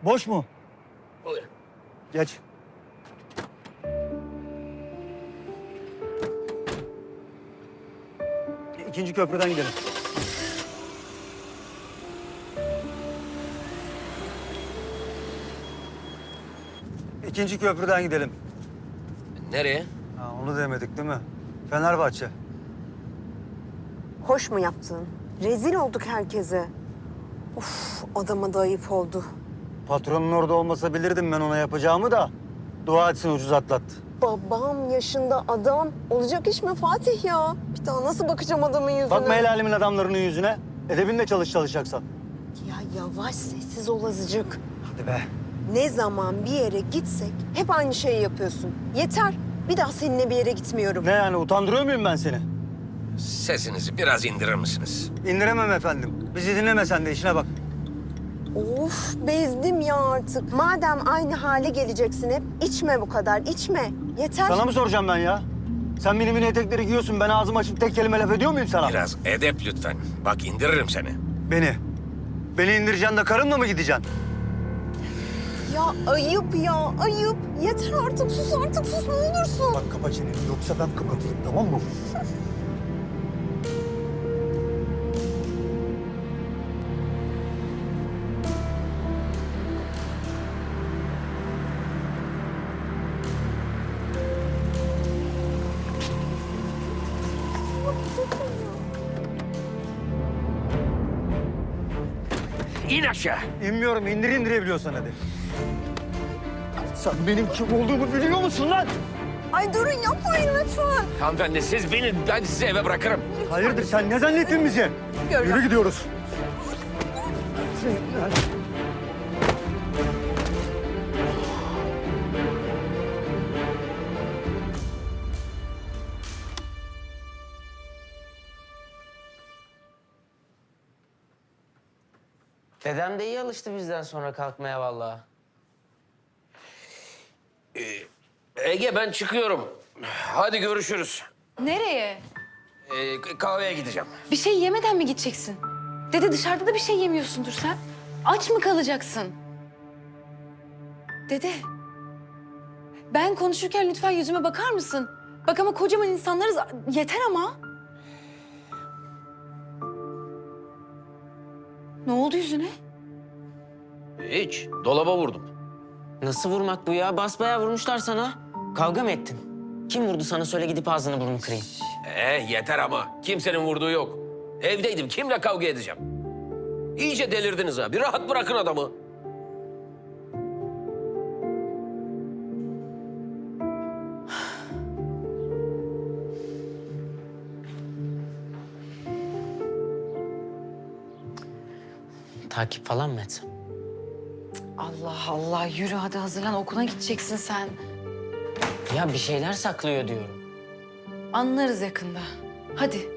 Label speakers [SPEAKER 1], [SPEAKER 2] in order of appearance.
[SPEAKER 1] Boş mu?
[SPEAKER 2] Buyurun.
[SPEAKER 1] Geç. İkinci köprüden gidelim. İkinci köprüden gidelim.
[SPEAKER 2] Nereye?
[SPEAKER 1] Ha, onu demedik değil mi? Fenerbahçe.
[SPEAKER 3] Hoş mu yaptın? Rezil olduk herkese. Of, adama da ayıp oldu.
[SPEAKER 1] Patronun orada olmasa bilirdim ben ona yapacağımı da. Dua etsin ucuz atlattı.
[SPEAKER 3] Babam yaşında adam. Olacak iş mi Fatih ya? Bir daha nasıl bakacağım adamın yüzüne?
[SPEAKER 1] Bakma el alemin adamlarının yüzüne. Edebinle çalışacaksan.
[SPEAKER 3] Ya yavaş sessiz ol azıcık.
[SPEAKER 1] Hadi be.
[SPEAKER 3] Ne zaman bir yere gitsek hep aynı şeyi yapıyorsun. Yeter. Bir daha seninle bir yere gitmiyorum.
[SPEAKER 1] Ne yani utandırıyor muyum ben seni?
[SPEAKER 2] Sesinizi biraz indirir misiniz?
[SPEAKER 1] İndiremem efendim. Bizi dinleme sen de işine bak.
[SPEAKER 3] Of bezdim ya artık. Madem aynı hale geleceksin hep içme bu kadar içme. Yeter.
[SPEAKER 1] Sana mı soracağım ben ya? Sen benim mini etekleri giyiyorsun. Ben ağzımı açıp tek kelime laf ediyor muyum sana?
[SPEAKER 2] Biraz edep lütfen. Bak indiririm seni.
[SPEAKER 1] Beni. Beni indireceksin de karımla mı gideceksin?
[SPEAKER 3] Ya ayıp ya ayıp. Yeter artık sus ne olursun.
[SPEAKER 1] Bak kapa çeneni yoksa ben kapatayım tamam mı?
[SPEAKER 2] İn aşağı.
[SPEAKER 1] İnmiyorum. indirebiliyorsan hadi. Sen benim kim olduğumu biliyor musun lan?
[SPEAKER 3] Ay durun yapmayın lütfen.
[SPEAKER 2] Hanımefendi siz binin. Ben sizi eve bırakırım.
[SPEAKER 1] Hayırdır sen ne zannettin bizi?
[SPEAKER 3] Görüyorum.
[SPEAKER 1] Yürü gidiyoruz.
[SPEAKER 4] Dedem de iyi alıştı bizden sonra kalkmaya vallahi.
[SPEAKER 2] Ege ben çıkıyorum. Hadi görüşürüz.
[SPEAKER 5] Nereye?
[SPEAKER 2] Kahveye gideceğim.
[SPEAKER 5] Bir şey yemeden mi gideceksin? Dede dışarıda da bir şey yemiyorsundur sen. Aç mı kalacaksın? Dede. Ben konuşurken lütfen yüzüme bakar mısın? Bak ama kocaman insanlarız. Yeter ama. Ne oldu yüzüne?
[SPEAKER 2] Hiç. Dolaba vurdum.
[SPEAKER 4] Nasıl vurmak bu ya? Basbayağı vurmuşlar sana. Kavga mı ettin? Kim vurdu sana söyle gidip ağzını burnunu kırayım.
[SPEAKER 2] Yeter ama. Kimsenin vurduğu yok. Evdeydim. Kimle kavga edeceğim? İyice delirdiniz ha. Bir rahat bırakın adamı.
[SPEAKER 4] Takip falan mı etsem?
[SPEAKER 5] Allah Allah yürü hadi hazırlan okula gideceksin sen.
[SPEAKER 4] Ya bir şeyler saklıyor diyorum.
[SPEAKER 5] Anlarız yakında. Hadi.